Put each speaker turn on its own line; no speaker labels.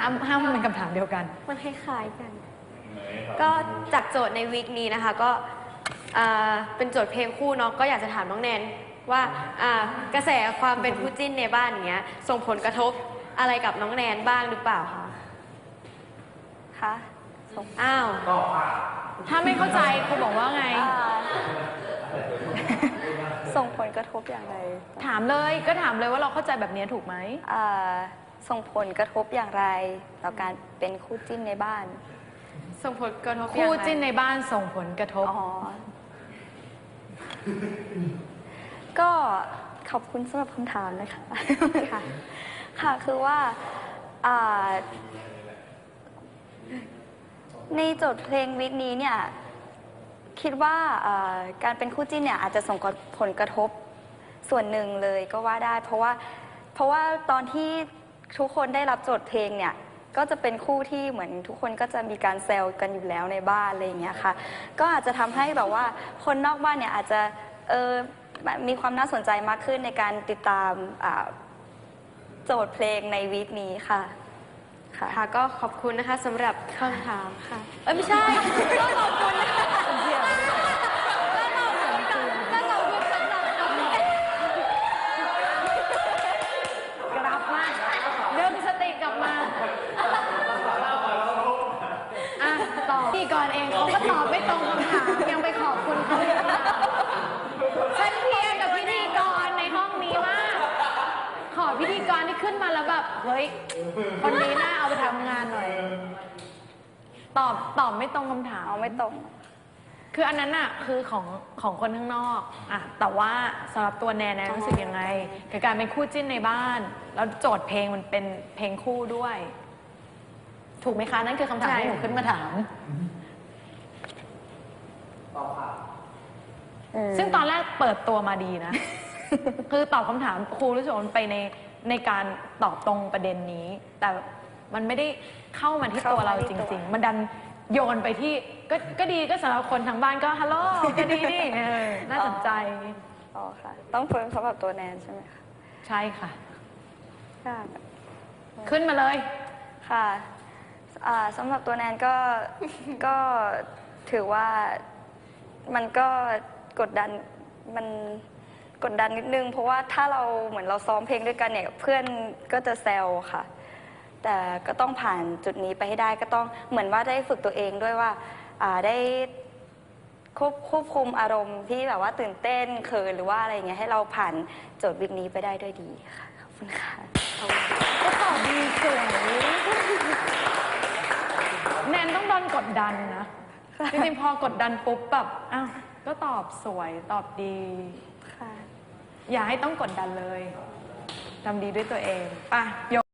ห้ามมันเป็นคำถามเดียวกัน
มันคล้ายๆกัน ก็จากโจทย์ในวีคนี้นะคะก็เป็นโจทย์เพลงคู่เนาะก็อยากจะถามน้องแนนว่ากระแสความเป็นคู่จิ้นในบ้านอย่างเงี้ยส่งผลกระทบอะไรกับน้องแนนบ้างหรือเปล่าคะคะอ้าว
ถ้าไม่เข้าใจครูบอกว่าไง
ส่งผลกระทบอย่างไร
ถามเลยก็ถามเลยว่าเราเข้าใจแบบนี้ถูกไหม
ส่งผลกระทบอย่างไรต่อการเป็นคู่จิ้นในบ้าน
ส่งผลกระทบ
คู่จิ้นในบ้านส่งผลกระทบ
ก็ขอบคุณสำหรับคำถามนะคะค่ะคือว่าในโจทย์เพลงวิกนี้เนี่ยคิดว่าการเป็นคู่จิ้นเนี่ยอาจจะส่งผลกระทบส่วนหนึ่งเลยก็ว่าได้เพราะว่าตอนที่ทุกคนได้รับโจทย์เพลงเนี่ยก็จะเป็นคู่ที่เหมือนทุกคนก็จะมีการแซวกันอยู่แล้วในบ้านอะไรอย่างเงี้ยค่ะก็อาจจะทำให้แบบว่าคนนอกบ้านเนี่ยอาจจะมีความน่าสนใจมากขึ้นในการติดตามโจทย์เพลงในวีคนี้ค่ะ
ค่ะก็ขอบคุณนะคะสำหรับคำถามค่ะไม่ใช่ก็ขอบคุณนะคะ
กลับมาเริ่มสติกลับมาตอบพี่ก่อนเองเขาก็ตอบไม่ตรงคำถามยังไปขอบคุณเขาฉันเพียงกับพิธีกรในห้องนี้มากขอพิธีกรที่ขึ้นมาแล้วแบบเฮ้ยคนนี้น่าเอาไปทำงานหน่อยตอบไม่ตรงคำถาม
ไม่ตรง
คืออันนั้นน่ะคือของคนข้างนอกแต่ว่าสำหรับตัวแนนรู้สึกยังไงกับการเป็นคู่จิ้นในบ้านแล้วโจทย์เพลงมันเป็นเพลงคู่ด้วยถูกไหมคะนั่นคือคำถามที่หนูขึ้นมาถามซึ่งตอนแรกเปิดตัวมาดีนะคือตอบคำถามครูรู้สึกมันไปในการตอบตรงประเด็นนี้แต่มันไม่ได้เข้ามาที่ตัวเราจริงๆมันดันโยนไปที่ก็ดีก็สำหรับคนทางบ้านก็ฮัลโหลก็ดีนี่น่าสนใจ
ค่ะต้องเพิ่มสำหรับตัวแนนใช่ไหมคะ
ใช่ค่ะขึ้นมาเลย
ค่ะสำหรับตัวแนนก็ถือว่ามันก็กดดันนิดนึงเพราะว่าถ้าเราเหมือนเราซ้อมเพลงด้วยกันเนี่ยเพื่อนก็จะแซวค่ะแต่ก็ต้องผ่านจุดนี้ไปให้ได้ก็ต้องเหมือนว่าได้ฝึกตัวเองด้วยว่าได้ควบคุมอารมณ์ที่แบบว่าตื่นเต้นเขินหรือว่าอะไรอย่างเงี้ยให้เราผ่านโจทย์วิกนี้ไปได้ด้วยดีค่ะขอบคุณค่ะ
ก็ตอบดีสวยแนนต้องโดนกดดันนะจริงๆพอกดดันปุ๊บแบบอ้าวก็ตอบสวยตอบดีอย่าให้ต้องกดดันเลยทำดีด้วยตัวเองป่ะ